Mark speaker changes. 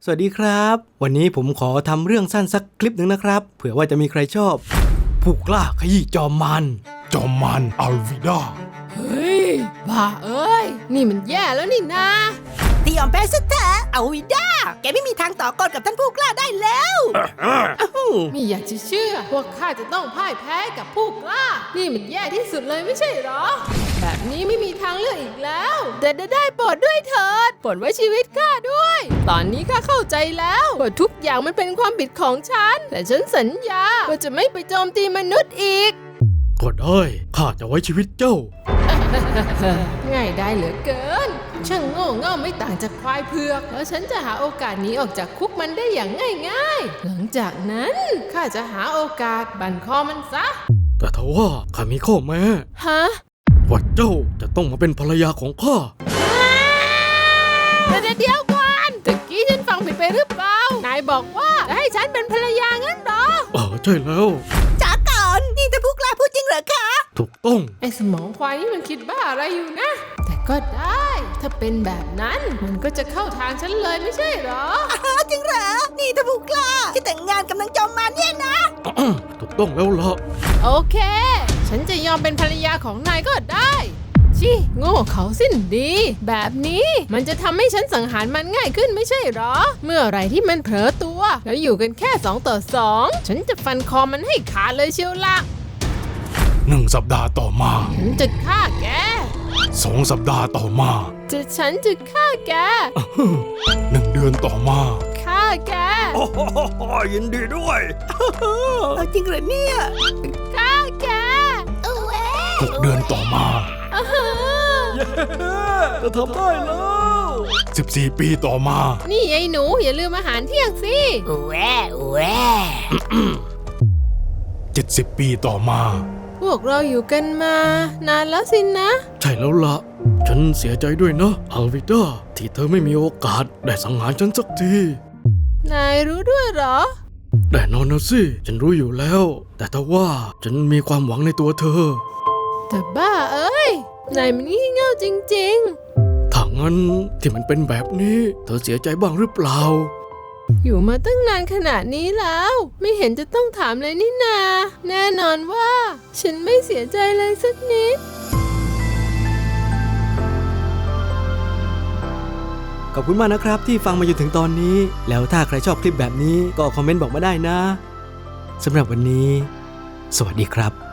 Speaker 1: สวัสดีครับวันนี้ผมขอทำเรื่องสั้นสักคลิปหนึ่งนะครับเผื่อว่าจะมีใครชอบผู้กล้าขยี้จอมมันอัลวิดา
Speaker 2: เฮ้ยบ้าเอ้ยนี่มันแย่แล้วนี่นะ
Speaker 3: ตียอมแพ้ซะเถอะเอาวิด้าแกไม่มีทางต่อกรกับท่านผู้กล้าได้แล้ว
Speaker 2: ไม่อยากจะเชื่อว่าข้าจะต้องพ่ายแพ้กับผู้กล้านี่มันแย่ที่สุดเลยไม่ใช่หรอแบบนี้ไม่มีทางเลือกอีกแล้วแต่ได้โปรดด้วยเถิดโปรดไว้ชีวิตข้าด้วยตอนนี้ข้าเข้าใจแล้วว่าทุกอย่างมันเป็นความผิดของฉันแต่ฉันสัญญาว่าจะไม่ไปโจมตีมนุษย์อีก
Speaker 1: ก็ได้ข้าจะไว้ชีวิตเจ้า
Speaker 2: ง่ายได้เหลือเกินช่างโง่เง่าไม่ต่างจากควายเผือกแล้วฉันจะหาโอกาสหนีออกจากคุกมันได้อย่างง่ายๆหลังจากนั้นข้าจะหาโอกาสบั่นคอมันซะ
Speaker 1: แต่ทว่าข้ามีข้อแม้
Speaker 2: ฮะ
Speaker 1: ว่าเจ้าจะต้องมาเป็นภรรยาของข้า
Speaker 2: เดี๋ยวก่อนตะกี้ฉันฟังผิดไปหรือเปล่านายบอกว่าจะให้ฉันเป็นภรรยางั้นเหรอ
Speaker 1: ใช่แล้ว
Speaker 3: จ๋าก่อนนี่ท่านผู้กล้าพูดจริงเหรอคะ
Speaker 1: ถูกต้อง
Speaker 2: ไอ้สมองควายนี่มันคิดบ้าอะไรอยู่นะแต่ก็ได้ถ้าเป็นแบบนั้นมันก็จะเข้าทางฉันเลยไม่ใช่เหรอ
Speaker 3: จริงเหรอนี่ท่านผู้กล้าที่แต่งงานกับนางจอมมารเนี่ยนะ
Speaker 1: ถูกต้องแล้วล่ะ
Speaker 2: โอเคฉันจะยอมเป็นภรรยาของนายก็ได้ชิโง่เขาสิ้นดีแบบนี้มันจะทำให้ฉันสังหารมันง่ายขึ้นไม่ใช่หรอเมื่อไหร่ที่มันเผลอตัวแล้วอยู่กันแค่2 ต่อ 2ฉันจะฟันคอมันให้ขาดเลยเชียวละ
Speaker 1: 1 สัปดาห์ต่อมา
Speaker 2: ฉันจะฆ่าแก
Speaker 1: 2 สัปดาห์ต่อมา
Speaker 2: ฉันจะฆ่าแก
Speaker 1: 1 เดือนต่อมา
Speaker 2: ฆ่าแก
Speaker 1: ยินดีด้วย
Speaker 3: จริงเหรอเนี่ย
Speaker 2: ฆ่าแก
Speaker 1: 6 เดือนต่อมาจะทำได้แล้ว14 ปีต่อมา
Speaker 2: นี่ไอ้หนูอย่าลืมอาหารเที่ยงสิ
Speaker 1: 70 ปีต่อมา
Speaker 2: พวกเราอยู่กันมานานแล้วสินะ
Speaker 1: ใช่แล้วล่ะฉันเสียใจด้วยนะอัลวิดาที่เธอไม่มีโอกาสได้สังหารฉันสักที
Speaker 2: นายรู้ด้วยเหรอ
Speaker 1: แน่นอนนะสิฉันรู้อยู่แล้วแต่ถ้าว่าฉันมีความหวังในตัวเธอ
Speaker 2: แต่บ้าเอ้ยนายมันงี่เง่าจริง
Speaker 1: ๆถ้างั้นที่มันเป็นแบบนี้เธอเสียใจบ้างหรือเปล่า
Speaker 2: อยู่มาตั้งนานขนาดนี้แล้วไม่เห็นจะต้องถามเลยนี่นาแน่นอนว่าฉันไม่เสียใจเลยสักนิด
Speaker 1: ขอบคุณมากนะครับที่ฟังมาจนถึงตอนนี้แล้วถ้าใครชอบคลิปแบบนี้ก็คอมเมนต์บอกมาได้นะสำหรับวันนี้สวัสดีครับ